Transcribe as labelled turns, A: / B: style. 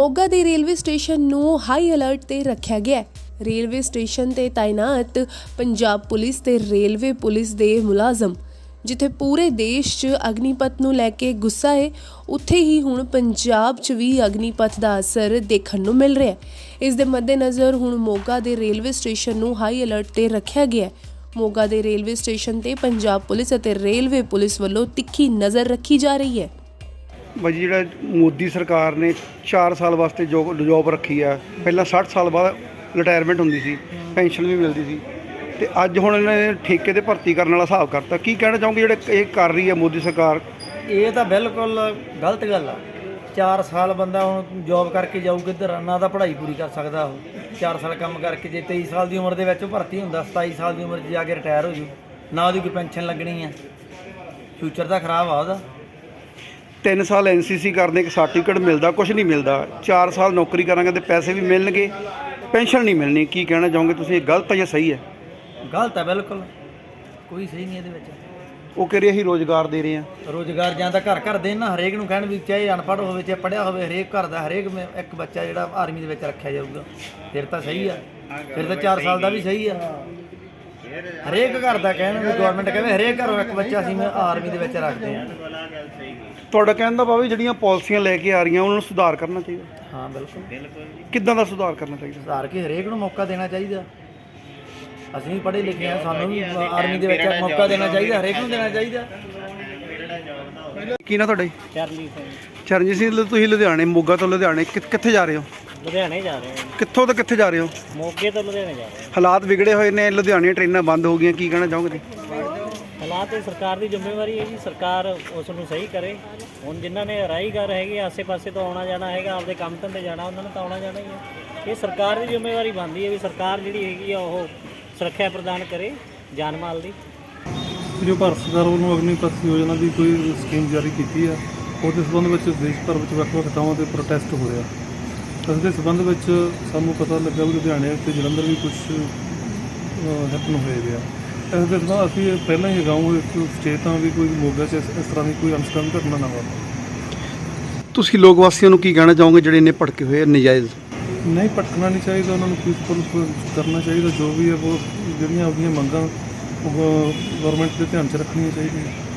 A: ਮੋਗਾ ਦੇ railway station ਨੂੰ high alert ਤੇ ਰੱਖਿਆ ਗਿਆ ਹੈ। ਰੇਲਵੇ ਸਟੇਸ਼ਨ ਤੇ ਤਾਇਨਾਤ ਪੰਜਾਬ ਪੁਲਿਸ ਤੇ ਰੇਲਵੇ ਪੁਲਿਸ ਦੇ ਮੁਲਾਜ਼ਮ ਜਿੱਥੇ ਪੂਰੇ ਦੇਸ਼ 'ਚ ਅਗਨੀਪਥ ਨੂੰ ਲੈ ਕੇ ਗੁੱਸਾ ਹੈ, ਉੱਥੇ ਹੀ ਹੁਣ ਪੰਜਾਬ 'ਚ ਵੀ ਅਗਨੀਪਥ ਦਾ ਅਸਰ ਦੇਖਣ ਨੂੰ ਮਿਲ ਰਿਹਾ ਹੈ। ਇਸ ਦੇ ਮੱਦੇਨਜ਼ਰ ਹੁਣ ਮੋਗਾ ਦੇ ਰੇਲਵੇ ਸਟੇਸ਼ਨ ਨੂੰ ਹਾਈ ਅਲਰਟ ਤੇ ਰੱਖਿਆ ਗਿਆ ਹੈ। ਮੋਗਾ ਦੇ ਰੇਲਵੇ ਸਟੇਸ਼ਨ ਤੇ ਪੰਜਾਬ ਪੁਲਿਸ ਅਤੇ ਰੇਲਵੇ ਪੁਲਿਸ ਵੱਲੋਂ ਤਿੱਖੀ ਨਜ਼ਰ ਰੱਖੀ ਜਾ ਰਹੀ ਹੈ।
B: ਭਾਜੀ ਜਿਹੜਾ ਮੋਦੀ ਸਰਕਾਰ ਨੇ 4 ਸਾਲ ਵਾਸਤੇ ਜੋਬ ਰੱਖੀ ਆ, ਪਹਿਲਾਂ 60 ਸਾਲ ਬਾਅਦ ਰਿਟਾਇਰਮੈਂਟ ਹੁੰਦੀ ਸੀ, ਪੈਨਸ਼ਨ ਵੀ ਮਿਲਦੀ ਸੀ, ਤੇ ਅੱਜ ਹੁਣ ਇਹਨਾਂ ਨੇ ਠੇਕੇ ਤੇ ਭਰਤੀ ਕਰਨ ਵਾਲਾ ਹਿਸਾਬ ਕਰਤਾ। ਕੀ ਕਹਿਣਾ ਚਾਹੋਗੇ ਜਿਹੜੇ ਇਹ ਕਰ ਰਹੀ ਹੈ ਮੋਦੀ ਸਰਕਾਰ?
C: ਇਹ ਤਾਂ ਬਿਲਕੁਲ ਗਲਤ ਗੱਲ ਆ। 4 ਸਾਲ ਬੰਦਾ ਹੁਣ ਜੋਬ ਕਰਕੇ ਜਾਊ ਕਿੱਧਰ, ਨਾ ਤਾਂ ਪੜ੍ਹਾਈ ਪੂਰੀ ਕਰ ਸਕਦਾ ਉਹ। 4 ਸਾਲ ਕੰਮ ਕਰਕੇ ਜੇ 23 ਸਾਲ ਦੀ ਉਮਰ ਦੇ ਵਿੱਚ ਭਰਤੀ ਹੁੰਦਾ, 27 ਸਾਲ ਦੀ ਉਮਰ 'ਚ ਜਾ ਕੇ ਰਿਟਾਇਰ ਹੋ ਜੂ, ਨਾ ਉਹਦੀ ਕੋਈ ਪੈਨਸ਼ਨ ਲੱਗਣੀ ਆ। ਫਿਊਚਰ ਤਾਂ ਖਰਾਬ ਆ ਉਹਦਾ।
B: 3 ਸਾਲ NCC ਕਰਦੇ, ਇੱਕ ਸਰਟੀਫਿਕੇਟ ਮਿਲਦਾ, ਕੁਝ ਨਹੀਂ ਮਿਲਦਾ। 4 ਸਾਲ ਨੌਕਰੀ ਕਰਾਂਗੇ ਤੇ ਪੈਸੇ ਵੀ ਮਿਲਣਗੇ, ਪੈਨਸ਼ਨ ਨਹੀਂ ਮਿਲਣੀ। ਕੀ ਕਹਿਣਾ ਚਾਹੋਗੇ ਤੁਸੀਂ, ਇਹ ਗਲਤ ਹੈ ਜਾਂ ਸਹੀ ਹੈ?
C: ਗਲਤ ਹੈ ਬਿਲਕੁਲ, ਕੋਈ ਸਹੀ ਨਹੀਂ ਇਹਦੇ ਵਿੱਚ।
B: ਉਹ ਕਹਿ ਰਹੇ ਅਸੀਂ ਰੋਜ਼ਗਾਰ ਦੇ ਰਹੇ ਹਾਂ।
C: ਰੋਜ਼ਗਾਰ ਜਾਂ ਤਾਂ ਘਰ ਦੇ ਨਾ, ਹਰੇਕ ਨੂੰ ਕਹਿਣ ਵੀ ਚਾਹੇ ਅਨਪੜ੍ਹ ਹੋਵੇ ਚਾਹੇ ਪੜ੍ਹਿਆ ਹੋਵੇ, ਹਰੇਕ ਘਰ ਦਾ ਹਰੇਕ ਇੱਕ ਬੱਚਾ ਜਿਹੜਾ ਆਰਮੀ ਦੇ ਵਿੱਚ ਰੱਖਿਆ ਜਾਊਗਾ, ਫਿਰ ਤਾਂ ਸਹੀ ਆ। ਫਿਰ ਤਾਂ 4 ਸਾਲ ਦਾ ਵੀ ਸਹੀ ਆ। ਹਰੇਕ ਘਰ ਦਾ ਕਹਿਣ ਵੀ ਗਵਰਨਮੈਂਟ ਕਹਿੰਦੇ ਹਰੇਕ ਘਰੋਂ ਇੱਕ ਬੱਚਾ ਅਸੀਂ ਆਰਮੀ ਦੇ ਵਿੱਚ ਰੱਖਦੇ ਹਾਂ।
B: ਤੁਹਾਡਾ ਕਹਿਣ ਦਾ ਭਾਵੇਂ ਜਿਹੜੀਆਂ ਪਾਲਿਸੀਆਂ ਲੈ ਕੇ ਆ ਰਹੀਆਂ ਉਹਨਾਂ ਨੂੰ ਸੁਧਾਰ ਕਰਨਾ ਚਾਹੀਦਾ।
C: ਹਾਂ ਬਿਲਕੁਲ।
B: ਕਿੱਦਾਂ ਦਾ ਸੁਧਾਰ ਕਰਨਾ ਚਾਹੀਦਾ?
C: ਸੁਧਾਰ ਕੇ ਹਰੇਕ ਨੂੰ ਮੌਕਾ ਦੇਣਾ ਚਾਹੀਦਾ। ਅਸੀਂ ਵੀ ਪੜ੍ਹੇ ਲਿਖੇ ਹਾਂ, ਸਾਨੂੰ ਵੀ ਆਰਮੀ ਦੇ ਵਿੱਚ ਮੌਕਾ ਦੇਣਾ ਚਾਹੀਦਾ, ਹਰੇਕ ਨੂੰ ਦੇਣਾ ਚਾਹੀਦਾ।
B: ਕੀ ਨਾ ਤੁਹਾਡਾ?
D: ਚਰਨਜੀਤ ਸਿੰਘ।
B: ਚਰਨਜੀਤ ਸਿੰਘ, ਤੁਸੀਂ ਲੁਧਿਆਣੇ, ਮੋਗਾ ਤੋਂ ਲੁਧਿਆਣੇ ਕਿੱਥੇ ਜਾ ਰਹੇ ਹੋ?
D: ਲੁਧਿਆਣੇ ਜਾ ਰਹੇ ਹਾਂ।
B: ਕਿੱਥੋਂ ਤੋਂ ਕਿੱਥੇ ਜਾ ਰਹੇ ਹੋ?
D: ਮੋਗੇ ਤੋਂ ਲੁਧਿਆਣੇ ਜਾ ਰਹੇ
B: ਹਾਲਾਤ ਵਿਗੜੇ ਹੋਏ ਨੇ, ਲੁਧਿਆਣੇ ਟ੍ਰੇਨਾਂ ਬੰਦ ਹੋ ਗਈਆਂ, ਕੀ ਕਹਿਣਾ ਚਾਹੋਗੇ?
D: ਹਾਲਾਤ ਇਹ ਸਰਕਾਰ ਦੀ ਜ਼ਿੰਮੇਵਾਰੀ ਹੈ ਜੀ, ਸਰਕਾਰ ਉਸ ਨੂੰ ਸਹੀ ਕਰੇ। ਹੁਣ ਜਿਨ੍ਹਾਂ ਨੇ ਰਾਹੀਗਰ ਹੈਗੇ ਆਸੇ-ਪਾਸੇ ਤੋਂ ਆਉਣਾ ਜਾਣਾ ਹੈਗਾ, ਆਪਦੇ ਕੰਮ ਧੰਦੇ ਜਾਣਾ, ਉਹਨਾਂ ਨੇ ਤਾਂ ਆਉਣਾ ਜਾਣਾ ਹੀ ਹੈ। ਇਹ ਸਰਕਾਰ ਦੀ ਜ਼ਿੰਮੇਵਾਰੀ ਬਣਦੀ ਹੈ ਵੀ ਸਰਕਾਰ ਜਿਹੜੀ ਹੈਗੀ ਆ ਉਹ ਸੁਰੱਖਿਆ ਪ੍ਰਦਾਨ ਕਰੇ ਜਾਨ ਮਾਲ ਦੀ।
E: ਜੋ ਭਾਰਤ ਸਰਕਾਰ ਵੱਲੋਂ ਅਗਨੀਪਥ ਯੋਜਨਾ ਦੀ ਕੋਈ ਸਕੀਮ ਜਾਰੀ ਕੀਤੀ ਆ, ਉਹਦੇ ਸੰਬੰਧ ਵਿੱਚ ਦੇਸ਼ ਭਰ ਵਿੱਚ ਵੱਖ-ਵੱਖ ਥਾਵਾਂ 'ਤੇ ਪ੍ਰੋਟੈਸਟ ਹੋ ਰਿਹਾ। ਇਸ ਦੇ ਸੰਬੰਧ ਵਿੱਚ ਸਾਨੂੰ ਪਤਾ ਲੱਗਾ ਵੀ ਲੁਧਿਆਣੇ ਅਤੇ ਜਲੰਧਰ ਵੀ ਕੁਝ ਹੈਪਨ ਹੋਏ ਗਿਆ। ਇਸ ਦੇ ਸੰਬੰਧ ਅਸੀਂ ਪਹਿਲਾਂ ਹੀ ਅਗਾਊਂ ਇੱਕ ਸੁਚੇਤ ਹਾਂ ਵੀ ਕੋਈ ਮੋਗਾ 'ਚ ਇਸ ਤਰ੍ਹਾਂ ਦੀ ਕੋਈ ਅਨਸਕਾਮੀ ਘਟਨਾ ਨਾ ਵਾਪਰੇ।
B: ਤੁਸੀਂ ਲੋਕ ਵਾਸੀਆਂ ਨੂੰ ਕੀ ਕਹਿਣਾ ਚਾਹੋਗੇ ਜਿਹੜੇ ਇੰਨੇ ਭੜਕੇ ਹੋਏ ਨਜਾਇਜ਼?
E: ਨਹੀਂ ਭਟਕਣਾ ਨਹੀਂ ਚਾਹੀਦਾ, ਉਹਨਾਂ ਨੂੰ ਪੀਸਫੁਲ ਕਰਨਾ ਚਾਹੀਦਾ। ਜੋ ਵੀ ਹੈ ਉਹ ਜਿਹੜੀਆਂ ਆਪਣੀਆਂ ਮੰਗਾਂ ਉਹ ਗਵਰਨਮੈਂਟ ਦੇ ਧਿਆਨ 'ਚ ਰੱਖਣੀਆਂ ਚਾਹੀਦੀਆਂ।